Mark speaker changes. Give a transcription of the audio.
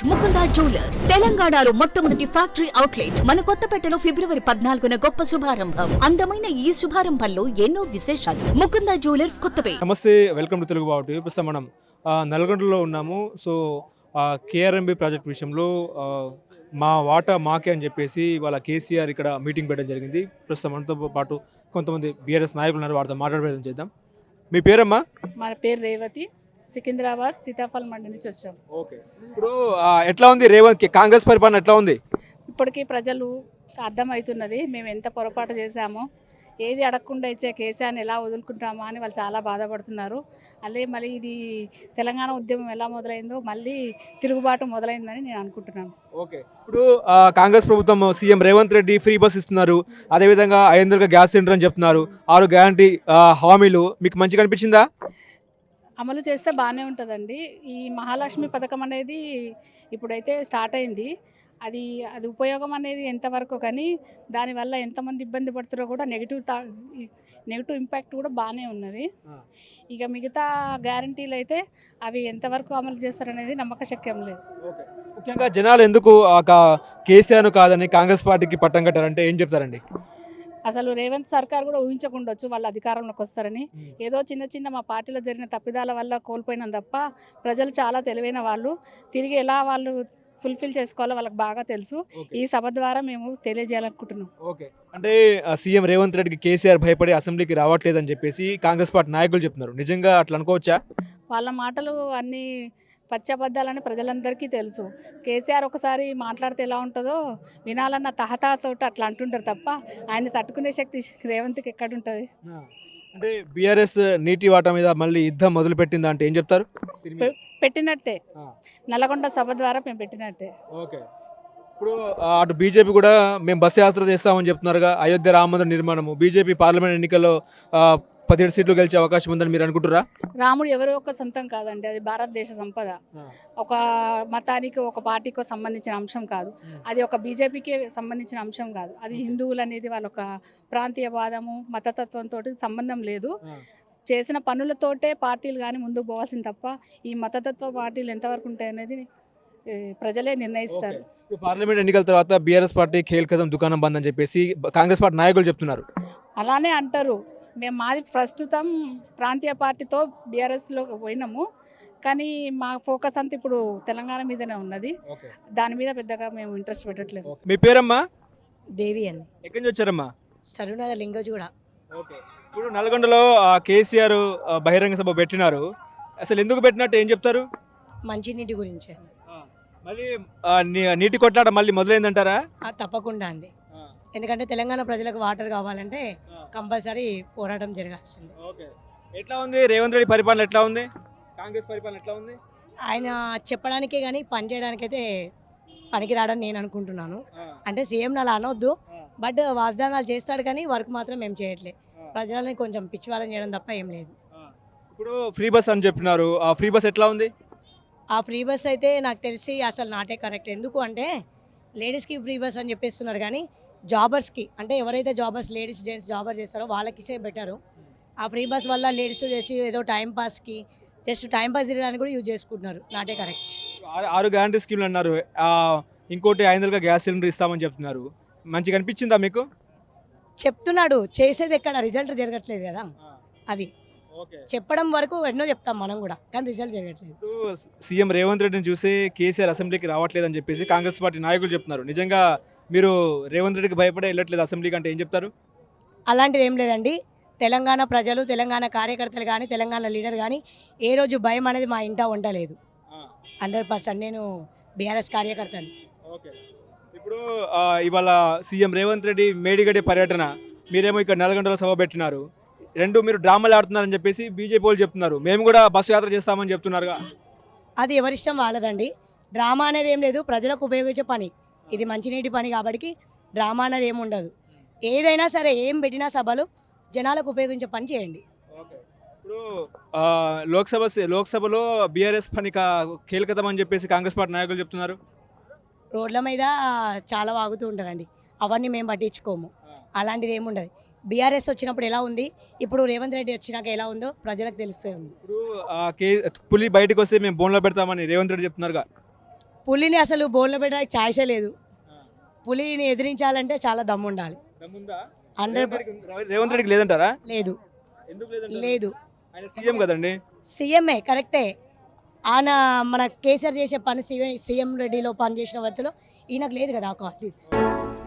Speaker 1: Mukunda jewellers తెలంగాణలో మొట్టమొదటి factory outlet మన కొత్తపేటలో ఫిబ్రవరి 14న గొప్ప శుభారంభం. అందమైన ఈ శుభారంభంలో ఎన్నో విశేషాలు. ముకుందా జ్యువెలర్స్ కొత్తపేట.
Speaker 2: నమస్తే, వెల్కమ్ టు తెలుగు బావుటి. ప్రస్తుతం మనం నల్గొండలో ఉన్నాము. సో కేఆర్ఎంబి ప్రాజెక్ట్ విషయంలో మా వాటా మాకే అని చెప్పేసి ఇవాళ కేసీఆర్ ఇక్కడ మీటింగ్ పెట్టడం జరిగింది. ప్రస్తుతం మనతో పాటు కొంతమంది బీఆర్ఎస్ నాయకులు ఉన్నారు, వారితో మాట్లాడే ప్రయత్నం చేద్దాం. మీ పేరమ్మా?
Speaker 3: మన పేరు రేవతి, సికింద్రాబాద్ సీతాఫల్ మండి నుంచి వచ్చాం.
Speaker 2: ఓకే, ఇప్పుడు ఎట్లా ఉంది రేవంత్ కాంగ్రెస్ పరిపాలన ఎట్లా ఉంది?
Speaker 3: ఇప్పటికీ ప్రజలు అర్థమవుతున్నది మేము ఎంత పొరపాటు చేశామో, ఏది అడగకుండా ఇచ్చే కేసీఆర్ని ఎలా వదులుకుంటామా అని వాళ్ళు చాలా బాధపడుతున్నారు. అల్లే మళ్ళీ ఇది తెలంగాణ ఉద్యమం ఎలా మొదలైందో మళ్ళీ తిరుగుబాటు మొదలైందని నేను అనుకుంటున్నాను.
Speaker 2: ఓకే, ఇప్పుడు కాంగ్రెస్ ప్రభుత్వం CM Revanth Reddy free bus ఇస్తున్నారు, అదేవిధంగా 500 గ్యాస్ సిలిండర్ అని చెప్తున్నారు, 6 గ్యారంటీ హామీలు మీకు మంచిగా అనిపించిందా?
Speaker 3: అమలు చేస్తే బాగానే ఉంటుందండి. ఈ మహాలక్ష్మి పథకం అనేది ఇప్పుడైతే స్టార్ట్ అయింది. అది ఉపయోగం అనేది ఎంతవరకు, కానీ దానివల్ల ఎంతమంది ఇబ్బంది పడుతారో కూడా నెగిటివ్ ఇంపాక్ట్ కూడా బాగానే ఉన్నది. ఇక మిగతా గ్యారంటీలు అయితే అవి ఎంతవరకు అమలు చేస్తారనేది నమ్మకశక్యం లేదు.
Speaker 2: ముఖ్యంగా జనాలు ఎందుకు కేసీఆర్ కాదని కాంగ్రెస్ పార్టీకి పట్టం కట్టారంటే ఏం చెప్తారండి?
Speaker 3: అసలు రేవంత్ సర్కార్ కూడా ఊహించకుండొచ్చు వాళ్ళు అధికారంలోకి వస్తారని. ఏదో చిన్న మా పార్టీలో జరిగిన తప్పిదాల వల్ల కోల్పోయినాం తప్ప ప్రజలు చాలా తెలివైన వాళ్ళు. తిరిగి ఎలా వాళ్ళు ఫుల్ఫిల్ చేసుకోవాలో వాళ్ళకి బాగా తెలుసు. ఈ సభ ద్వారా మేము తెలియజేయాలనుకుంటున్నాం.
Speaker 2: ఓకే, అంటే సీఎం రేవంత్ రెడ్డికి కేసీఆర్ భయపడి అసెంబ్లీకి రావట్లేదని చెప్పేసి కాంగ్రెస్ పార్టీ నాయకులు చెప్తున్నారు. నిజంగా అట్లా అనుకోవచ్చా?
Speaker 3: వాళ్ళ మాటలు అన్నీ పచ్చబద్దాలని ప్రజలందరికీ తెలుసు. కేసీఆర్ ఒకసారి మాట్లాడితే ఎలా ఉంటుందో వినాలన్న తహతహతోటి అట్లా అంటుంటారు తప్ప ఆయన తట్టుకునే శక్తి రేవంత్కి ఎక్కడుంటుంది?
Speaker 2: అంటే బీఆర్ఎస్ నీటి వాటా మీద మళ్ళీ యుద్ధం మొదలు పెట్టిందా అంటే ఏం చెప్తారు?
Speaker 3: పెట్టినట్టే, నల్లగొండ సభ ద్వారా మేము పెట్టినట్టే.
Speaker 2: ఓకే, ఇప్పుడు అటు బీజేపీ కూడా మేము బస్సు యాత్ర చేస్తామని చెప్తున్నారుగా. అయోధ్య రామ మందిర నిర్మాణము, బీజేపీ పార్లమెంట్ ఎన్నికల్లో 17 సీట్లు గెలిచే అవకాశం ఉందని మీరు అనుకుంటున్నారా?
Speaker 3: రాముడు ఎవరో ఒక సొంతం కాదండి, అది భారతదేశ సంపద. ఒక మతానికి ఒక పార్టీకి సంబంధించిన అంశం కాదు, అది ఒక బీజేపీకి సంబంధించిన అంశం కాదు. అది హిందువులు అనేది వాళ్ళ ఒక ప్రాంతీయవాదము మతతత్వంతో సంబంధం లేదు. చేసిన పనులతోటే పార్టీలు కానీ ముందుకు పోవాల్సింది తప్ప ఈ మతతత్వ పార్టీలు ఎంతవరకు ఉంటాయనేది ప్రజలే నిర్ణయిస్తారు.
Speaker 2: పార్లమెంట్ ఎన్నికల తర్వాత బీఆర్ఎస్ పార్టీ ఖేల్ కదం దుకాణం బంద్ అని చెప్పేసి కాంగ్రెస్ పార్టీ నాయకులు చెప్తున్నారు.
Speaker 3: అలానే అంటారు. మేము మాది ప్రస్తుతం ప్రాంతీయ పార్టీతో బీఆర్ఎస్లో పోయినాము, కానీ మా ఫోకస్ అంతా ఇప్పుడు తెలంగాణ మీదనే ఉన్నది. దాని మీద పెద్దగా మేము ఇంట్రెస్ట్ పెట్టట్లేదు.
Speaker 2: మీ పేరమ్మా?
Speaker 4: దేవి అండి.
Speaker 2: ఎక్కడి నుంచి వచ్చారమ్మా?
Speaker 4: సరూనగర్ లింగోజ్ కూడా.
Speaker 2: ఓకే, ఇప్పుడు నల్గొండలో కేసీఆర్ బహిరంగ సభ పెట్టినారు, అసలు ఎందుకు పెట్టినట్టు ఏం చెప్తారు?
Speaker 4: మంచినీటి గురించి.
Speaker 2: మళ్ళీ నీటి కొట్లాట మళ్ళీ మొదలైందంటారా?
Speaker 4: తప్పకుండా అండి, ఎందుకంటే తెలంగాణ ప్రజలకు వాటర్ కావాలంటే కంపల్సరీ పోరాటం జరగాల్సింది.
Speaker 2: ఓకే, ఎట్లా ఉంది రేవంత్ రెడ్డి పరిపాలన? ఎట్లా ఉంది కాంగ్రెస్ పరిపాలన? ఎట్లా ఉంది?
Speaker 4: ఆయన చెప్పడానికే కానీ పని చేయడానికైతే పనికిరాడని నేను అనుకుంటున్నాను. అంటే సీఎం అలా అనొద్దు, బట్ వాగ్దానాలు చేస్తాడు కానీ వర్క్ మాత్రం ఏం చేయట్లేదు. ప్రజలని కొంచెం పిచ్చివాళ్ళని చేయడం తప్ప ఏం లేదు.
Speaker 2: ఇప్పుడు ఫ్రీ బస్ అని చెప్పినారు, ఆ ఫ్రీ బస్ ఎట్లా ఉంది?
Speaker 4: ఆ ఫ్రీ బస్ అయితే నాకు తెలిసి అసలు నాటే కరెక్ట్. ఎందుకు అంటే లేడీస్కి ఫ్రీ బస్ అని చెప్పేస్తున్నారు, కానీ జాబర్స్కి అంటే ఎవరైతే జాబర్స్ లేడీస్ జెంట్స్ జాబర్ చేస్తారో వాళ్ళకి బెటరు. ఆ ఫ్రీ బస్ వల్ల లేడీస్ చేసి ఏదో టైంపాస్కి జస్ట్ టైంపాస్ తిరగడానికి కూడా యూజ్ చేసుకుంటున్నారు. నాటే కరెక్ట్.
Speaker 2: 6 గ్యారంటీ స్కీమ్లు అన్నారు, ఇంకోటి 500 గ్యాస్ సిలిండర్ ఇస్తామని చెప్తున్నారు. మంచిగా అనిపించిందా మీకు?
Speaker 4: చెప్తున్నాడు, చేసేది ఎక్కడ రిజల్ట్ జరగట్లేదు కదా. అది చెప్పడం వరకు ఎన్నో చెప్తాం మనం కూడా, కానీ రిజల్ట్ జరగట్లేదు.
Speaker 2: సీఎం రేవంత్ రెడ్డిని చూసి కేసీఆర్ అసెంబ్లీకి రావట్లేదు అని చెప్పేసి కాంగ్రెస్ పార్టీ నాయకులు చెప్తున్నారు. నిజంగా మీరు రేవంత్ రెడ్డికి భయపడే వెళ్ళట్లేదు అసెంబ్లీకి అంటే ఏం చెప్తారు?
Speaker 4: అలాంటిది ఏం లేదండి. తెలంగాణ ప్రజలు, తెలంగాణ కార్యకర్తలు కానీ, తెలంగాణ లీడర్ కానీ ఏ రోజు భయం అనేది మా ఇంట ఉండలేదు. 100% నేను బీఆర్ఎస్ కార్యకర్తను.
Speaker 2: ఓకే, ఇప్పుడు ఇవాళ సీఎం రేవంత్ రెడ్డి మేడిగడ్డ పర్యటన, మీరేమో ఇక్కడ నల్గొండలో సభ పెట్టినారు, రెండు మీరు డ్రామాలు ఆడుతున్నారని చెప్పేసి బీజేపీ వాళ్ళు చెప్తున్నారు. మేము కూడా బస్సు యాత్ర చేస్తామని చెప్తున్నారుగా.
Speaker 4: అది ఎవరిష్టం వాళ్ళదండి. డ్రామా అనేది ఏం లేదు, ప్రజలకు ఉపయోగించే పని. ఇది మంచినీటి పని కాబట్టి డ్రామా అనేది ఏమి ఉండదు. ఏదైనా సరే ఏం పెట్టినా సభలు జనాలకు ఉపయోగించే పని చేయండి.
Speaker 2: ఇప్పుడు లోక్సభలో బీఆర్ఎస్ పని కీలకతం అని చెప్పేసి కాంగ్రెస్ పార్టీ నాయకులు చెప్తున్నారు.
Speaker 4: రోడ్ల మీద చాలా వాగుతూ ఉంటారండి, అవన్నీ మేము పట్టించుకోము. అలాంటిది ఏమి ఉండదు. బీఆర్ఎస్ వచ్చినప్పుడు ఎలా ఉంది, ఇప్పుడు రేవంత్ రెడ్డి వచ్చినాక ఎలా ఉందో ప్రజలకు తెలుస్తూ ఉంది.
Speaker 2: ఇప్పుడు పులి బయటకు వస్తే మేము బోన్లో పెడతామని రేవంత్ రెడ్డి చెప్తున్నారుగా.
Speaker 4: పులిని అసలు బోన్లో పెట్టడానికి ఛాయిసే లేదు. పులిని ఎదిరించాలంటే చాలా దమ్ము ఉండాలి.
Speaker 2: దమ్ముందా?
Speaker 4: 100
Speaker 2: రేవంత్ రెడ్డికి లేదంటారా?
Speaker 4: లేదు
Speaker 2: ఎందుకు లేదంటారు?
Speaker 4: లేదు.
Speaker 2: ఆయన సీఎం కదండి.
Speaker 4: సీఎంఏ కరెక్టే. ఆయన మన కేసీఆర్ చేసే పని సీఎం రెడ్డిలో పని చేసిన వ్యక్తిలో ఈయనకు లేదు కదా ఆ క్వాలిటీస్.